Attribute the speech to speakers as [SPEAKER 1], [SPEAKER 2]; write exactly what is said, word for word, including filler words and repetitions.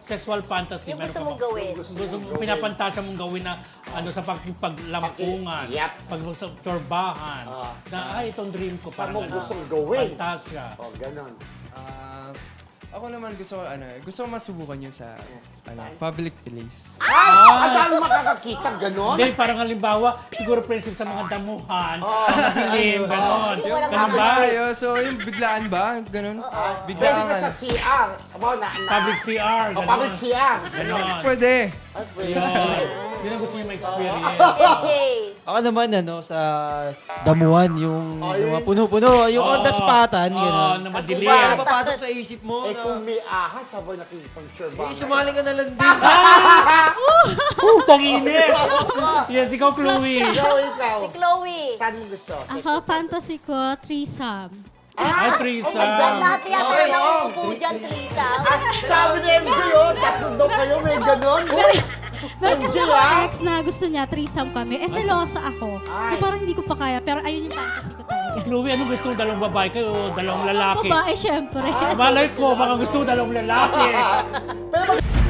[SPEAKER 1] sexual fantasy.
[SPEAKER 2] Yung
[SPEAKER 1] meron
[SPEAKER 2] gusto
[SPEAKER 1] ka
[SPEAKER 2] mong
[SPEAKER 1] bang-
[SPEAKER 2] gawin.
[SPEAKER 1] Gusto, gusto mong pinapantasya mong gawin na ano sa pag, paglampungan,
[SPEAKER 3] Yep.
[SPEAKER 1] pag sa tsorbahan.
[SPEAKER 3] Ah.
[SPEAKER 1] na ay, itong dream ko.
[SPEAKER 3] Saan
[SPEAKER 1] parang
[SPEAKER 3] mo
[SPEAKER 1] ganun.
[SPEAKER 3] gustong gawin?
[SPEAKER 1] Fantasya.
[SPEAKER 3] O, ganon.
[SPEAKER 4] Ah, ako naman gusto ko, ano, gusto ko masubukan yun sa ano, public place.
[SPEAKER 3] Ah! Ang dami makakakita, ganon?
[SPEAKER 1] Hindi, parang halimbawa, siguro friendship sa mga damuhan,
[SPEAKER 3] Oh.
[SPEAKER 1] madilim, ganon.
[SPEAKER 2] Yung walang
[SPEAKER 1] Ganun ba?
[SPEAKER 4] Tayo, so yung biglaan ba? Ganun?
[SPEAKER 3] Pwede
[SPEAKER 4] Biglaan
[SPEAKER 3] ka sa C R. Aba, na, na,
[SPEAKER 1] Public C R,
[SPEAKER 3] O,
[SPEAKER 1] ganon.
[SPEAKER 3] public C R.
[SPEAKER 1] Ganon.
[SPEAKER 4] Pwede.
[SPEAKER 3] Ay, pwede.
[SPEAKER 1] Yun. Yun ang gusto niya ma-experience.
[SPEAKER 2] A J.
[SPEAKER 5] Ako naman, ano, sa damuhan, yung
[SPEAKER 3] Oh,
[SPEAKER 5] sa mga
[SPEAKER 3] yun.
[SPEAKER 5] puno-puno, yung on the spatan,
[SPEAKER 1] Oo,
[SPEAKER 5] gano'n.
[SPEAKER 1] na madilim.
[SPEAKER 2] Ano
[SPEAKER 5] Kaya
[SPEAKER 2] ba?
[SPEAKER 5] papasok sa isip mo
[SPEAKER 3] Eh,
[SPEAKER 5] na,
[SPEAKER 3] kung may ahas, habang nakikipag-sure
[SPEAKER 5] eh, sumali ka na lang din.
[SPEAKER 1] Uh, tanginit! Yes, ikaw, Chloe.
[SPEAKER 3] Ikaw, ikaw.
[SPEAKER 2] Si Chloe.
[SPEAKER 3] Saan mo gusto?
[SPEAKER 6] Ako, fantasy ko, threesome.
[SPEAKER 1] Ay,
[SPEAKER 2] Oh my God,
[SPEAKER 1] threesome.
[SPEAKER 2] lahat yata
[SPEAKER 3] Okay,
[SPEAKER 2] na
[SPEAKER 3] oh.
[SPEAKER 2] upo dyan, Trisa.
[SPEAKER 3] Ah, sabi ni M J, oh, tatlo daw kayo, may ganon.
[SPEAKER 6] Meron kasi
[SPEAKER 3] M J,
[SPEAKER 6] ako
[SPEAKER 3] ah.
[SPEAKER 6] ex na gusto niya, threesome kami. Eh, selosa ako. So
[SPEAKER 3] Ay.
[SPEAKER 6] parang hindi ko pa kaya, pero ayun yung fantasy ko talaga.
[SPEAKER 1] Chloe, anong gusto mo? Dalawang babae kayo o dalawang lalaki?
[SPEAKER 6] Babae, syempre.
[SPEAKER 1] Malay ko, baka gusto mo dalawang lalaki.
[SPEAKER 3] Pero